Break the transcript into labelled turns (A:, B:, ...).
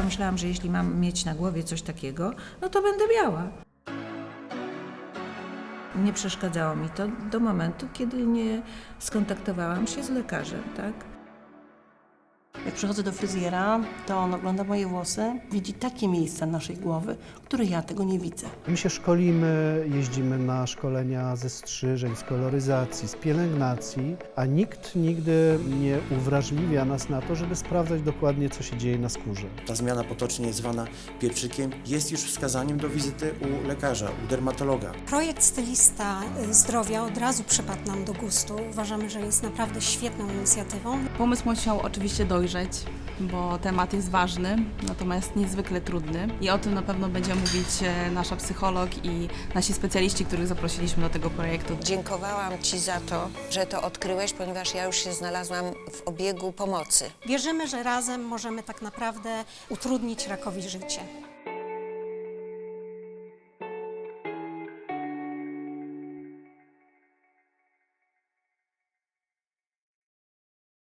A: pomyślałam, że jeśli mam mieć na głowie coś takiego, no to będę miała. Nie przeszkadzało mi to do momentu, kiedy nie skontaktowałam się z lekarzem, tak?
B: Jak przychodzę do fryzjera, to on ogląda moje włosy, widzi takie miejsca naszej głowy, które ja tego nie widzę.
C: My się szkolimy, jeździmy na szkolenia ze strzyżeń, z koloryzacji, z pielęgnacji, a nikt nigdy nie uwrażliwia nas na to, żeby sprawdzać dokładnie, co się dzieje na skórze.
D: Ta zmiana potocznie zwana pieprzykiem jest już wskazaniem do wizyty u lekarza, u dermatologa.
E: Projekt Stylista Zdrowia od razu przypadł nam do gustu. Uważamy, że jest naprawdę świetną inicjatywą.
F: Pomysł musiał oczywiście dojrzeć, bo temat jest ważny, natomiast niezwykle trudny i o tym na pewno będzie mówić nasza psycholog i nasi specjaliści, których zaprosiliśmy do tego projektu.
G: Dziękowałam Ci za to, że to odkryłeś, ponieważ ja już się znalazłam w obiegu pomocy.
E: Wierzymy, że razem możemy tak naprawdę utrudnić rakowi życie.